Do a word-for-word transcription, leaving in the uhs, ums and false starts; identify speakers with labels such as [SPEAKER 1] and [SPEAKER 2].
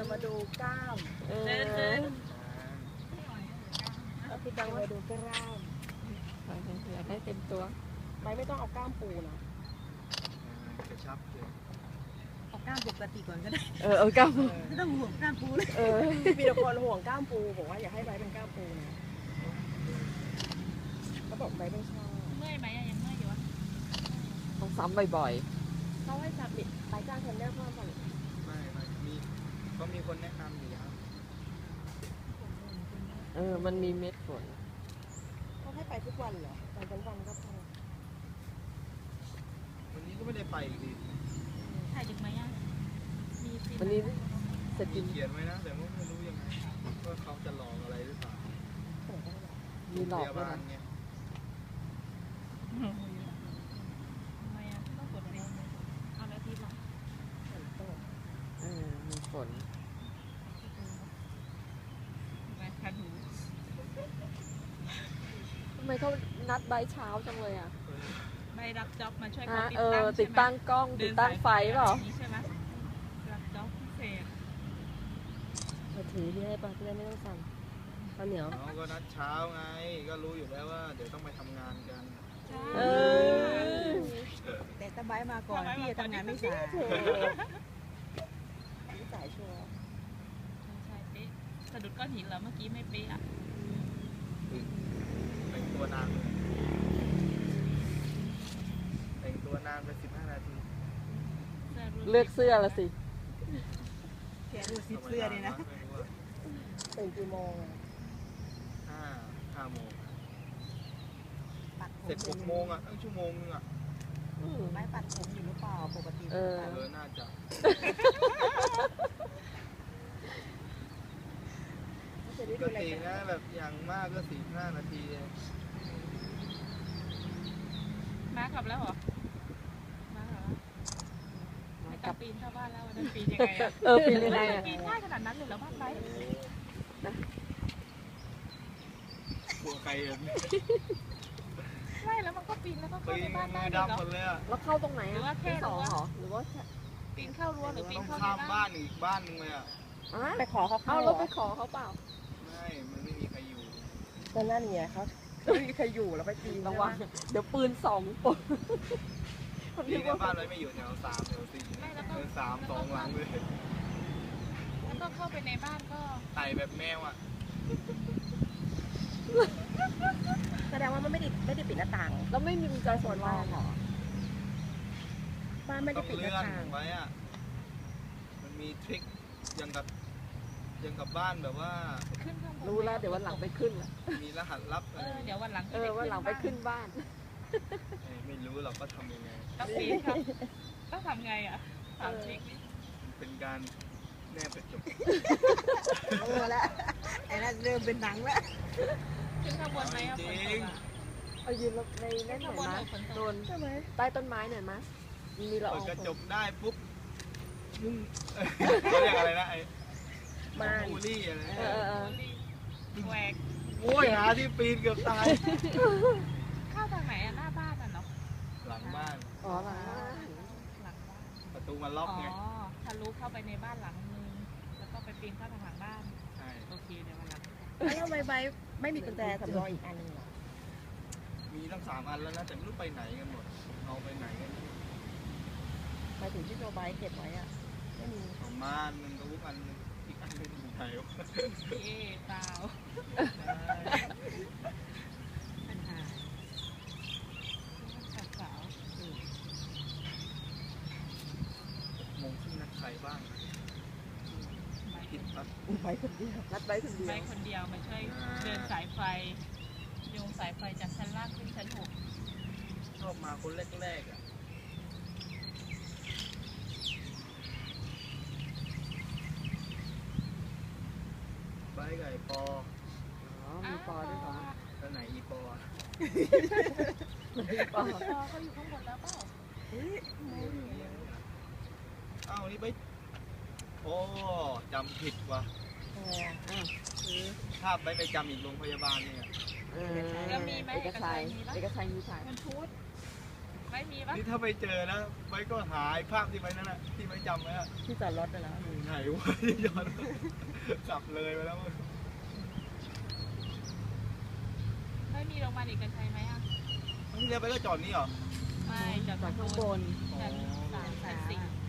[SPEAKER 1] จะมาดูกล้ามเดินเดินเราคิดดังมาดูกล้ามอยากให้เต็มตัวไม่ไม่ต้องเอากล้ามปูนะ
[SPEAKER 2] กระชับเลย
[SPEAKER 3] เอากล้ามปกติก่อนก็ได้
[SPEAKER 1] เออเอากล้าม
[SPEAKER 3] ไม่ต้องห่วงกล้ามปูเลย
[SPEAKER 1] เออมีแต่คนห่วงกล้ามปูบอกว่าอยากให้ใบเป็นกล้ามปูนะเขาบอกใบไม่ชอบ
[SPEAKER 4] เมื่อยไหมยังเมื่อยอยู่วะ
[SPEAKER 1] ต้องซ้ำบ่อยๆเขาให้จับบิดใบจ้างเทรนเนอร์เพิ่มก่อน
[SPEAKER 2] ไม่ไม่มีก็มีคนแนะนำอยู่ครับ
[SPEAKER 1] เออมันมีเม็ดฝนเขาให้ไปทุกวันเหรอไปวันวันก็พอ
[SPEAKER 2] วันนี้ก็ไม่ได้ไปอีกที
[SPEAKER 4] ถ่ายดึกไหมอ่ะมี
[SPEAKER 1] วันนี้เสร็จ
[SPEAKER 2] เขียนไว้นะแต่ว่าไม่รู้ยังไงว่าเขาจะหลอกอะไรหรือเปล่า
[SPEAKER 1] มีหลอกด้วยนะ
[SPEAKER 4] ทำไมอ่ะต้องกดอะไรเอาแล้วทีหลัง
[SPEAKER 1] เออมีฝน
[SPEAKER 4] ไปคันหู
[SPEAKER 1] ทำไมเขานัดใบเช้าจังเลยอ่ะ
[SPEAKER 4] ใบรับจ็อบมาช่วย
[SPEAKER 1] เขาติดตั้งติดตั้งกล้องติดตั้งไฟเปล่า
[SPEAKER 4] ใช่ไหมรับจ็อบพิเศษ
[SPEAKER 1] มาถือนี่ให้ป่ะจะได้ไม่ต้องสั่นข้าวเหนียว
[SPEAKER 2] น้องก็นัดเช้าไงก็รู้อยู่แล้วว่าเดี๋ยวต้องไปทำงานกัน
[SPEAKER 1] เออ
[SPEAKER 3] แต่ตะไบมาก่อนพี่จะทำงานไม่สาย
[SPEAKER 1] ไม่สายชัวร์
[SPEAKER 4] ใช่เป๊ะสะดุดก้อนหินเหรอเมื่อกี้ไม่เป๊ะอ่ะ
[SPEAKER 2] แต่งตัวนานแต่งตัวนานไปสิบห้านาที
[SPEAKER 1] เลือกเสื้อละสิ
[SPEAKER 3] แกดูซิเสื้อนี่นะ
[SPEAKER 1] ตื่นกี่โมง
[SPEAKER 2] ห้าห้าโมงเสร็จหกโมงอ่ะตั้งชั่วโมงนึงอ่ะ
[SPEAKER 3] ไม่ปัดผมอยู่หรือเปล่าปกติ
[SPEAKER 1] เออ
[SPEAKER 2] น่าจะปกตินะแบบอย่างมากก็สี่ห้านาที
[SPEAKER 4] มากลับแล้วเหรอมาเหรอไม่กลับปีนเข้าบ้านแล้ววันนั้นปีนยังไงอ่ะ
[SPEAKER 1] เออปีนยังไงอ่ะ
[SPEAKER 4] ปีนง่ายขนาดนั้นเลยเหรอบ้านไป
[SPEAKER 2] กลัวใครเอง
[SPEAKER 4] ใช่แล้วมันก็ปีนแล้วก็เข้าในบ้านได้เหรอ
[SPEAKER 1] แล้วเข้าตรงไหนอ่ะ
[SPEAKER 4] หรือว่าแค่
[SPEAKER 1] สองหรอหรือว่า
[SPEAKER 4] ปีนเข้ารั้วหรือปีนเข้าใน
[SPEAKER 2] บ้านบ้านอีกบ้านนึงเลยอ่ะ
[SPEAKER 1] ไปขอเขาเข้าแล้วไปขอเขาเปล่า
[SPEAKER 2] ไม่มันไม่มีใครอยู่
[SPEAKER 1] ก็นั่นไงเขาไม่มีใครอยู่แล้วไปปีนระวังเดี๋ยวปืนสองปน
[SPEAKER 2] ปีนบ้านเลยไม่อยู่แถวสามแถวสี่แถวสามสองหลังเลย
[SPEAKER 4] แล้วก็เข้าไปในบ้านก็
[SPEAKER 2] ไต่แบบแมวอ่ะ
[SPEAKER 1] แสดงว่ามันไม่ได้ไม่ได้ปิดหน้าต่างแล้วไม่มีกุญแจสวนบ้านหรอบ้านไม่ได้ปิดหน้าต่าง
[SPEAKER 2] ไว้อ่ะมันมีทริคยังกับยังกับบ้านแบบว่า
[SPEAKER 1] รู้แล้วเดี๋ยววันหลังไปขึ้น
[SPEAKER 2] มีรหัสลับ
[SPEAKER 4] เออเดี๋ยววันหลัง
[SPEAKER 1] เออวันหลังไปขึ้นบ้าน
[SPEAKER 2] ไม่รู้เราก็ทำยังไง
[SPEAKER 4] ต้องปีนครับต้องทำไงอ่ะถามทริค
[SPEAKER 2] เป็นการแนบกระจก
[SPEAKER 3] เออแล้วไอ้นั่นเริ่มเป็นหนังแล้ว
[SPEAKER 4] ขึ้นข้างบนไหมอ่ะ
[SPEAKER 2] จริง
[SPEAKER 1] เอายืนในนั่นหน่อยนะโดนใต้ต้นไม้หน่อยมั้ยมีละออง
[SPEAKER 2] กระจกได้ปุ๊บเขาเรียกอะไรนะไอ้
[SPEAKER 1] มา
[SPEAKER 2] บูลี่อะไร
[SPEAKER 1] เออ
[SPEAKER 4] แหวก
[SPEAKER 2] โอ้ยหาที่ปีนเกือบตาย
[SPEAKER 4] เข้าทางไหนอ่ะหน้าบ้านอ่ะเนาะ
[SPEAKER 2] หลังบ้าน
[SPEAKER 1] อ๋อหลังบ้าน
[SPEAKER 4] หลังบ้าน
[SPEAKER 2] ประตูมันล็อกไง
[SPEAKER 4] อ๋อทะลุเข้าไปในบ้านหลังนึงแล้วก็ไปปีนเข้าทางหลังบ้าน
[SPEAKER 2] ใช่
[SPEAKER 4] โอเคเดี๋ยววันหลัง
[SPEAKER 1] แล้วทำไมใบไม่มีกุญแจสำรองอีกอันนึงหรอ
[SPEAKER 2] มีทั้งสามอันแล้วนะแต่ไม่รู้ไปไหนกันหมดเอาไปไหนกัน
[SPEAKER 1] ไปถึงที่โนบายเก็บไว้อ่ะไม่มี
[SPEAKER 2] ประมาณนึงก็วุ้งอันนึงอีกอันนึงอยู่ไหนวะ
[SPEAKER 4] เอ๊ะเปล่าปัญหาสาว
[SPEAKER 2] มงที่นัดใครบ้างคิดปั๊บ
[SPEAKER 1] ไปคนเดียวนัดไปคนเดียว
[SPEAKER 4] ไปคนเดียวมาช่วยเดินสายไฟโยงสายไฟจากชั้นล่างขึ้นชั้นหก
[SPEAKER 2] ชอบมาคนแรกๆอ่ะไปไก่ปอ
[SPEAKER 1] อ๋อมีปอด้วยเหรอ
[SPEAKER 2] แล้วไหนอีปอ
[SPEAKER 1] อีปอ
[SPEAKER 4] เขาอยู่ข้างบนแล้วเปล่า
[SPEAKER 2] อ้าวนี่ไปโอ้จำผิดว่ะภาพไปไปจำอีกโรงพยาบาลเนี่ย
[SPEAKER 4] แล้วมีไหม
[SPEAKER 1] เอกชัยเอกชัยมีถ่าย
[SPEAKER 4] มันพูดไม่มีปะ
[SPEAKER 2] นี่ถ้าไม่เจอนะไว้ก็หายภาพที่ไว้นั่นน่ะที่ไว้จำไว้อะ
[SPEAKER 1] ที่จอดรถนะ
[SPEAKER 2] อยู่ไหนวะย้อนกลับเลยไปแล้วมั้ง
[SPEAKER 4] ไม่มีโรงพยาบาลเอกชัยไหมอ่ะ
[SPEAKER 2] ที่เรือไปก็จอดนี่เหรอ
[SPEAKER 4] ไม่จอด
[SPEAKER 1] จอดข้างบน
[SPEAKER 4] ชั้นสามชั้นสี่